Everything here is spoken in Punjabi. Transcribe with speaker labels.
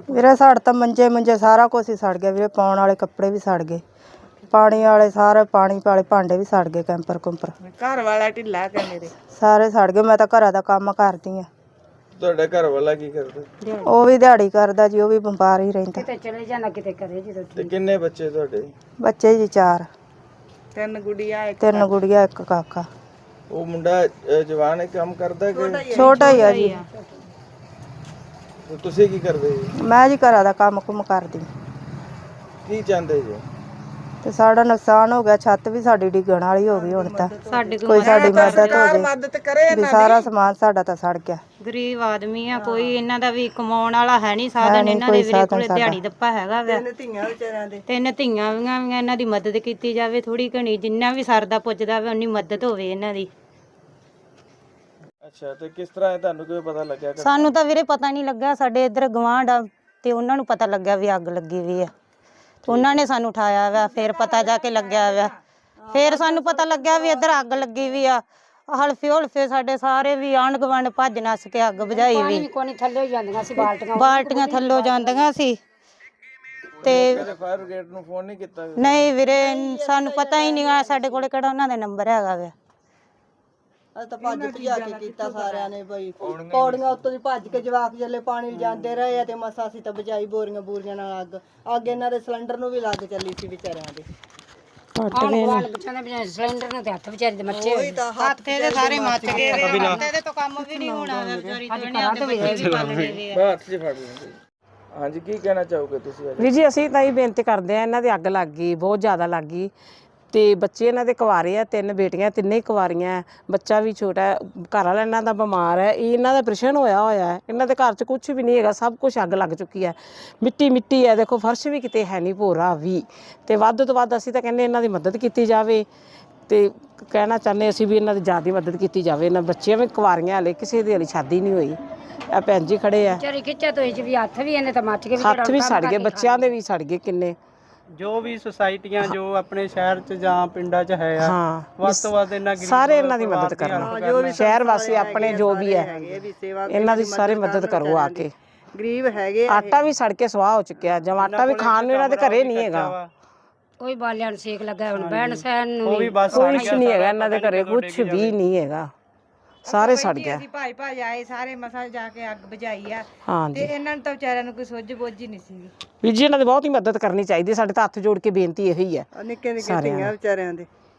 Speaker 1: ਵੀਰੇ ਸਾੜ ਤਾਂ ਮੰਜੇ ਸਾਰਾ ਕੁਝ ਹੀ ਸੜ ਗਿਆ ਵੀਰੇ। ਪਾਉਣ ਵਾਲੇ ਕੱਪੜੇ ਵੀ ਸੜ ਗਏ, ਪਾਣੀ ਵਾਲੇ ਸਾਰੇ ਪਾਣੀ ਵਾਲੇ ਭਾਂਡੇ ਵੀ ਸੜ ਗਏ, ਕੈਂਪਰ ਕੁੰਪਰ।
Speaker 2: ਘਰ ਵਾਲਾ ਢਿੱਲਾ ਕਿ ਮੇਰੇ
Speaker 1: ਸਾਰੇ ਸੜ ਗਏ। ਮੈਂ ਤਾਂ ਘਰਾਂ ਦਾ ਕੰਮ ਕਰਦੀ ਆ।
Speaker 3: ਤੁਹਾਡਾ ਘਰ ਵਾਲਾ ਕੀ ਕਰਦਾ?
Speaker 1: ਉਹ ਵੀ ਦਿਹਾੜੀ ਕਰਦਾ ਜੀ, ਉਹ ਵੀ ਬਿਮਾਰ ਹੀ ਰਹਿੰਦਾ।
Speaker 4: ਕਿਤੇ ਚਲੇ ਜਾਣਾ ਕਿਤੇ ਕਰੇ ਜਦੋਂ।
Speaker 3: ਤੇ ਕਿੰਨੇ ਬੱਚੇ ਤੁਹਾਡੇ?
Speaker 1: ਬੱਚੇ ਜੀ 4,
Speaker 2: 3 ਗੁੜੀਆਂ
Speaker 1: 3 ਗੁੜੀਆਂ 1 ਕਾਕਾ।
Speaker 3: ਉਹ ਮੁੰਡਾ ਜਵਾਨ ਹੈ, ਕੰਮ ਕਰਦਾ ਕਿ
Speaker 1: ਛੋਟਾ ਹੀ ਆ ਜੀ।
Speaker 3: ਤੇ ਤੁਸੀਂ ਕੀ ਕਰਦੇ ਜੀ?
Speaker 1: ਮੈਂ ਜੀ ਘਰਾਂ ਦਾ ਕੰਮ ਕੁਮ ਕਰਦੀ।
Speaker 3: ਕੀ ਚਾਹੁੰਦੇ ਜੀ?
Speaker 1: ਤੇ ਸਾਡਾ ਨੁਕਸਾਨ ਹੋ ਗਿਆ, ਛੱਤ ਵੀ ਸਾਡੀ ਡਿੱਗਣ ਵਾਲੀ ਹੋ ਗਈ। ਹੁਣ ਤਾਂ ਕੋਈ ਸਾਡੀ ਮਦਦ ਹੋ ਜੇ
Speaker 2: ਮਦਦ ਕਰੇ
Speaker 1: ਵੀ। ਸਾਰਾ ਸਮਾਨ ਸਾਡਾ ਤਾਂ ਸੜ ਗਿਆ।
Speaker 4: ਗਰੀਬ ਆਦਮੀ ਆ, ਕੋਈ ਇਹਨਾਂ ਦਾ ਵੀ ਕਮਾਉਣ ਵਾਲਾ ਹੈ ਨਹੀਂ ਸਾਧਨ। ਇਹਨਾਂ ਦੇ ਵੀਰੇ ਕੋਲੇ ਦਿਹਾੜੀ ਦੱਪਾ ਹੈਗਾ ਵਾ।
Speaker 1: 3 ਧੀਆਂ ਵਿਚਾਰਿਆਂ ਦੇ।
Speaker 4: 3 ਧੀਆਂ ਵੀ ਇਹਨਾਂ ਦੀ ਮਦਦ ਕੀਤੀ ਜਾਵੇ ਥੋੜੀ ਘਣੀ, ਜਿੰਨਾ ਵੀ ਸਰਦਾ ਪੁੱਜਦਾ ਵਾ ਉਨੀ ਮਦਦ ਹੋਵੇ ਇਹਨਾਂ ਦੀ।
Speaker 3: ਅੱਛਾ, ਤੇ ਕਿਸ ਤਰ੍ਹਾਂ ਤੁਹਾਨੂੰ ਕੋਈ ਪਤਾ ਲੱਗਿਆ?
Speaker 4: ਸਾਨੂੰ ਤਾਂ ਵੀਰੇ ਪਤਾ ਨਹੀਂ ਲੱਗਾ। ਸਾਡੇ ਇੱਧਰ ਗਵਾਂਢ ਆ ਤੇ ਉਹਨਾਂ ਨੂੰ ਪਤਾ ਲੱਗਿਆ ਵੀ ਅੱਗ ਲੱਗੀ ਵੀ ਆ। ਉਹਨਾਂ ਨੇ ਸਾਨੂੰ ਉਠਾਇਆ ਵਾ, ਫਿਰ ਪਤਾ ਜਾ ਕੇ ਲੱਗਿਆ ਵਾ। ਫਿਰ ਸਾਨੂੰ ਪਤਾ ਲੱਗਿਆ ਵੀ ਇੱਧਰ ਅੱਗ ਲੱਗੀ ਵੀ ਆ। ਹਲਫੇ ਸਾਡੇ ਸਾਰੇ ਵੀ ਆਂਢ ਗੁਆਂਢ ਭੱਜ ਨੱਸ ਕੇ ਅੱਗ ਬੁਝਾਈ ਵੀ। ਥੱਲੇ ਜਾਂਦੀਆਂ ਸੀ ਬਾਲਟੀਆਂ ਥੱਲੋਂ ਜਾਂਦੀਆਂ ਸੀ। ਤੇ
Speaker 3: ਫਾਇਰ ਬ੍ਰਿਗੇਡ ਨੂੰ ਫੋਨ ਨਹੀਂ ਕੀਤਾ?
Speaker 4: ਨਹੀਂ ਵੀਰੇ, ਸਾਨੂੰ ਪਤਾ ਹੀ ਨਹੀਂ ਆ। ਸਾਡੇ ਕੋਲੇ ਕਿਹੜਾ ਉਹਨਾਂ ਦਾ ਨੰਬਰ ਹੈਗਾ ਵਾ।
Speaker 1: ਅਸੀਂ ਤਾਂ ਭੱਜ ਭਜਾ ਕੇ ਕੀਤਾ ਸਾਰਿਆਂ ਨੇ ਬਈ। ਪੌੜੀਆਂ ਉੱਤੋਂ ਦੀ ਭੱਜ ਕੇ ਜਵਾਕ ਜੱਲੇ ਪਾਣੀ ਲਿਜਾਂਦੇ ਰਹੇ ਆ ਤੇ ਮਸਾ ਅਸੀਂ ਤਾਂ ਬਚਾਈ ਬੋਰੀਆਂ ਬੂਰੀਆਂ ਨਾਲ ਅੱਗ। ਅੱਗ ਇਹਨਾਂ ਦੇ ਸਿਲੰਡਰ ਨੂੰ ਵੀ ਲੱਗ ਚੱਲੀ ਸੀ ਵਿਚਾਰਿਆਂ ਦੇ। ਸਿਲੰਡਰ ਨੂੰ ਤੇ ਹੱਥ ਵਿਚਾਰੇ ਦੇ ਮੱਚੇ ਹੋਏ।
Speaker 4: ਹੱਥ ਇਹਦੇ ਸਾਰੇ ਮੱਚ ਗਏ ਵੇ। ਇਹਦੇ ਤੋਂ ਕੰਮ ਵੀ ਨਹੀਂ ਹੋਣਾ ਵਿਚਾਰੀ ਦੁਨੀਆ ਦੇ ਬੱਚੇ ਵੀ ਪਲ ਗਏ ਵੇ।
Speaker 3: ਬਾਹਰ ਚ ਫੜ ਲੈਂਦੇ। ਹਾਂਜੀ, ਕੀ ਕਹਿਣਾ ਚਾਹੋਗੇ ਤੁਸੀਂ?
Speaker 5: ਵੀਰ ਜੀ, ਅਸੀਂ ਤਾਂ ਇਹ ਬੇਨਤੀ ਕਰਦੇ ਆ, ਇਹਨਾਂ ਦੇ ਅੱਗ ਲੱਗ ਗਈ, ਬਹੁਤ ਜ਼ਿਆਦਾ ਲੱਗ ਗਈ। ਤੇ ਬੱਚੇ ਇਹਨਾਂ ਦੇ ਕੁਆਰੇ ਆ, 3 ਬੇਟੀਆਂ, ਤਿੰਨੇ ਹੀ ਕੁਆਰੀਆਂ। ਬੱਚਾ ਵੀ ਛੋਟਾ ਹੈ, ਘਰ ਵਾਲਾ ਇਹਨਾਂ ਦਾ ਬਿਮਾਰ ਹੈ। ਇਹਨਾਂ ਦਾ ਆਪਰੇਸ਼ਨ ਹੋਇਆ ਹੈ। ਇਹਨਾਂ ਦੇ ਘਰ 'ਚ ਕੁਝ ਵੀ ਨਹੀਂ ਹੈਗਾ, ਸਭ ਕੁਝ ਅੱਗ ਲੱਗ ਚੁੱਕੀ ਹੈ। ਮਿੱਟੀ ਹੈ, ਦੇਖੋ ਫਰਸ਼ ਵੀ ਕਿਤੇ ਹੈ ਨਹੀਂ, ਭੋਰਾ ਵੀ। ਤੇ ਵੱਧ ਤੋਂ ਵੱਧ ਅਸੀਂ ਤਾਂ ਕਹਿੰਦੇ ਇਹਨਾਂ ਦੀ ਮਦਦ ਕੀਤੀ ਜਾਵੇ। ਤੇ ਕਹਿਣਾ ਚਾਹੁੰਦੇ ਅਸੀਂ ਵੀ ਇਹਨਾਂ ਦੀ ਜ਼ਿਆਦਾ ਮਦਦ ਕੀਤੀ ਜਾਵੇ। ਇਹਨਾਂ ਬੱਚੀਆਂ ਵੀ ਕੁਆਰੀਆਂ, ਹਲੇ ਕਿਸੇ ਦੀ ਹਲੇ ਸ਼ਾਦੀ ਨਹੀਂ ਹੋਈ। ਆ ਭੈਣ ਜੀ ਖੜੇ ਆ।
Speaker 4: ਖਿੱਚਾ ਤੋਂ ਵੀ ਹੱਥ ਵੀ ਇਹਨੇ ਤਾਂ ਮੱਚ ਗਏ।
Speaker 5: ਹੱਥ ਵੀ ਸੜ ਗਏ, ਬੱਚਿਆਂ ਦੇ ਵੀ ਸੜ ਗਏ ਕਿੰਨੇ।
Speaker 6: ਜੋ ਵੀ ਸੁਸਾਇਟੀਆਂ ਜੋ ਆਪਣੇ ਸ਼ਹਿਰ 'ਚ ਜਾਂ ਪਿੰਡਾਂ 'ਚ ਹੈ ਆ, ਵੱਧ ਤੋਂ ਵੱਧ ਇਹਨਾਂ
Speaker 5: ਸਾਰੇ ਇਹਨਾਂ ਦੀ ਮਦਦ ਕਰਨ। ਸ਼ਹਿਰ ਵਾਸੀ ਆਪਣੇ ਜੋ ਵੀ ਹੈ ਇਹਨਾਂ ਦੀ ਸਾਰੇ ਮਦਦ ਕਰੋ ਆ ਕੇ।
Speaker 1: ਗਰੀਬ ਹੈਗੇ।
Speaker 5: ਆਟਾ ਵੀ ਸੜ ਕੇ ਸਵਾਹ ਹੋ ਚੁੱਕਿਆ, ਜਦ ਆਟਾ ਵੀ ਖਾਣ ਨੂੰ ਇਹਨਾਂ ਦੇ ਘਰੇ ਨਹੀਂ ਹੈਗਾ।
Speaker 4: ਕੋਈ ਬਾਲਿਆਂ ਨੂੰ ਸੇਕ ਲੱਗਾ, ਹੁਣ ਬਹਿਣ ਸਹਿਣ ਨੂੰ
Speaker 6: ਵੀ ਬਸ
Speaker 5: ਕੁਛ ਨਹੀਂ ਹੈਗਾ ਇਹਨਾਂ ਦੇ ਘਰੇ, ਕੁਛ ਵੀ ਨਹੀਂ ਹੈਗਾ, ਸਾਰੇ ਸੜ ਗਿਆ।
Speaker 2: ਅਸੀਂ ਭਾਈ ਆਏ ਸਾਰੇ ਮਸਾ ਜਾ ਕੇ ਅੱਗ ਬੁਝਾਈ ਆ।
Speaker 5: ਹਾਂਜੀ,
Speaker 2: ਤੇ ਇਹਨਾਂ ਨੂੰ ਤਾਂ ਵਿਚਾਰਿਆਂ ਨੂੰ ਕੋਈ ਸੁੱਝ ਬੁੱਝ ਹੀ ਨਹੀਂ ਸੀ।
Speaker 5: ਵੀਰ ਜੀ ਇਹਨਾਂ ਦੀ ਬਹੁਤ ਹੀ ਮਦਦ ਕਰਨੀ ਚਾਹੀਦੀ। ਸਾਡੇ ਤਾਂ ਹੱਥ ਜੋੜ ਕੇ ਬੇਨਤੀ ਇਹੀ ਹੈ।
Speaker 1: ਨਿੱਕੇ ਨਿੱਕੇ ਧੀਆਂ ਵਿਚਾਰਿਆਂ ਦੇ।